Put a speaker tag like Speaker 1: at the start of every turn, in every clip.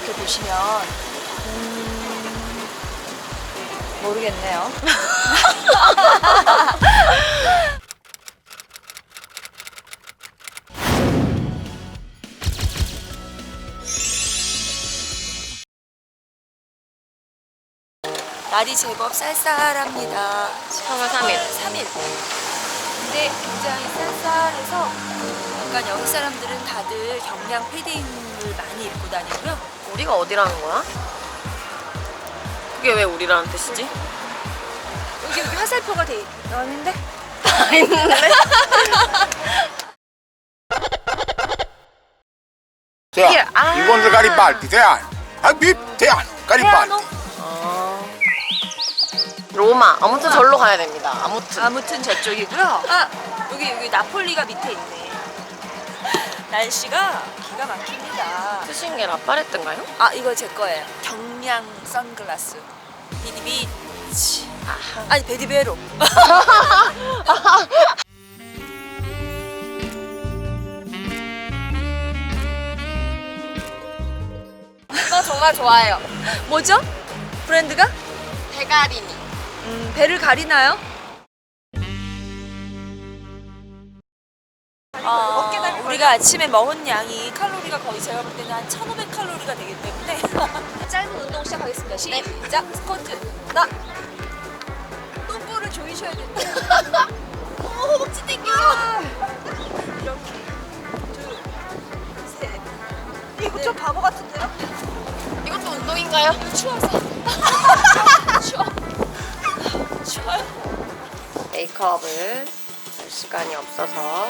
Speaker 1: 이렇게 보시면 모르겠네요. 날이 제법 쌀쌀합니다.
Speaker 2: 3월 3일.
Speaker 1: 3일. 근데 굉장히 쌀쌀해서 약간 여기 사람들은 다들 경량 패딩을 많이 입고 다니고요.
Speaker 2: 우리가 어디라는 거야? 그게 왜 우리라는 뜻이지?
Speaker 1: 여기 화살표가 돼 있는데?
Speaker 2: 다 있는데?
Speaker 3: 대안,
Speaker 2: 아.
Speaker 3: 이건들 가리발디 대안, 아빕 대안 가리발디.
Speaker 2: 로마. 아무튼 절로 가야 됩니다.
Speaker 1: 아무튼 저쪽이고요. 아, 여기 나폴리가 밑에 있네. 날씨가 기가 막힙니다.
Speaker 2: 쓰신 게 라파레트인가요?
Speaker 1: 아, 이거 제 거예요. 경량 선글라스. 비디비치.
Speaker 2: 아하.
Speaker 1: 아니, 베디베로. 이거 정말 좋아해요. 뭐죠? 브랜드가?
Speaker 2: 대가리니.
Speaker 1: 배를 가리나요? 우리가 아침에 먹은 양이 칼로리가 거의 제가 볼 때는 한 1500칼로리가 되기 때문에 짧은 운동 시작하겠습니다. 시작! 스쿼트! 하나! 똥꼬를 조이셔야 된다. 허벅지 땡겨! 이렇게 둘, 셋. 이거 좀 바보 같은데요?
Speaker 2: 이것도 운동인가요?
Speaker 1: 추워서. 추워. 추워요.
Speaker 2: 메이크업을 할 시간이 없어서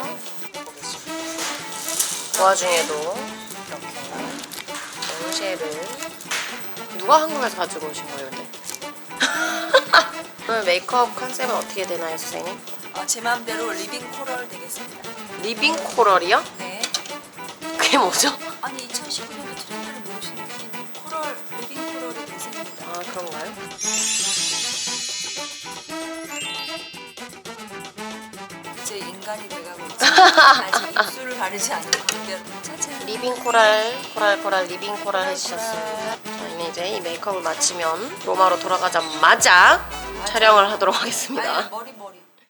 Speaker 2: 그 와중에도 이렇게 롱쉐를 누가 한국에서 가지고 오신 거예요, 근데? 오늘 메이크업 컨셉은 어떻게 되나요, 선생님?
Speaker 1: 제 마음대로 리빙 코럴 되겠습니다.
Speaker 2: 리빙 코럴이요?
Speaker 1: 네.
Speaker 2: 그게 뭐죠?
Speaker 1: 아니 2019년도 트렌드를 모르시는 분이 코럴, 리빙 코럴이 대세입니다.
Speaker 2: 아, 그런가요?
Speaker 1: 이제 인간이 돼가고 있지만 아직 입술을 가리지 않는 그대로 차차.
Speaker 2: 리빙 코랄, 코랄, 리빙 코랄 해주셨습니다. 저희는 이제 이 메이크업을 마치면 로마로 돌아가자마자 촬영을 하도록 하겠습니다.
Speaker 1: 머리